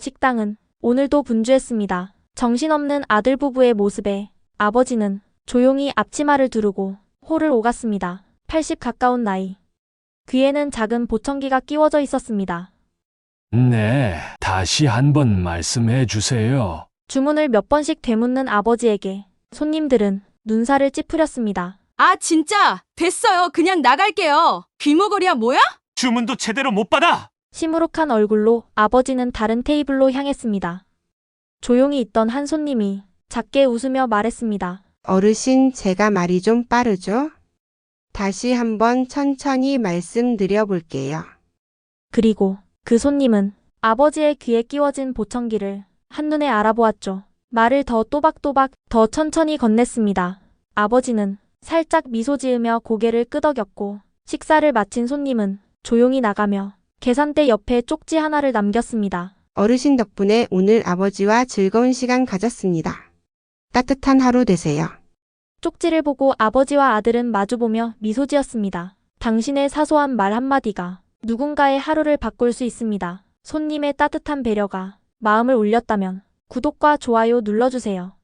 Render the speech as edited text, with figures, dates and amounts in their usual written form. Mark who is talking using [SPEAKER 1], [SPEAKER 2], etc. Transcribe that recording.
[SPEAKER 1] 식당은 오늘도 분주했습니다. 정신없는 아들 부부의 모습에 아버지는 조용히 앞치마를 두르고 홀을 오갔습니다. 80 가까운 나이. 귀에는 작은 보청기가 끼워져 있었습니다.
[SPEAKER 2] 네, 다시 한번 말씀해 주세요.
[SPEAKER 1] 주문을 몇 번씩 되묻는 아버지에게 손님들은 눈살을 찌푸렸습니다.
[SPEAKER 3] 아, 진짜! 됐어요. 그냥 나갈게요. 귀머거리야 뭐야?
[SPEAKER 4] 주문도 제대로 못 받아!
[SPEAKER 1] 시무룩한 얼굴로 아버지는 다른 테이블로 향했습니다. 조용히 있던 한 손님이 작게 웃으며 말했습니다.
[SPEAKER 5] 어르신, 제가 말이 좀 빠르죠? 다시 한번 천천히 말씀드려 볼게요.
[SPEAKER 1] 그리고 그 손님은 아버지의 귀에 끼워진 보청기를 한눈에 알아보았죠. 말을 더 또박또박 더 천천히 건넸습니다. 아버지는 살짝 미소 지으며 고개를 끄덕였고 식사를 마친 손님은 조용히 나가며 계산대 옆에 쪽지 하나를 남겼습니다.
[SPEAKER 5] 어르신 덕분에 오늘 아버지와 즐거운 시간 가졌습니다. 따뜻한 하루 되세요.
[SPEAKER 1] 쪽지를 보고 아버지와 아들은 마주보며 미소 지었습니다. 당신의 사소한 말 한마디가 누군가의 하루를 바꿀 수 있습니다. 손님의 따뜻한 배려가 마음을 울렸다면 구독과 좋아요 눌러주세요.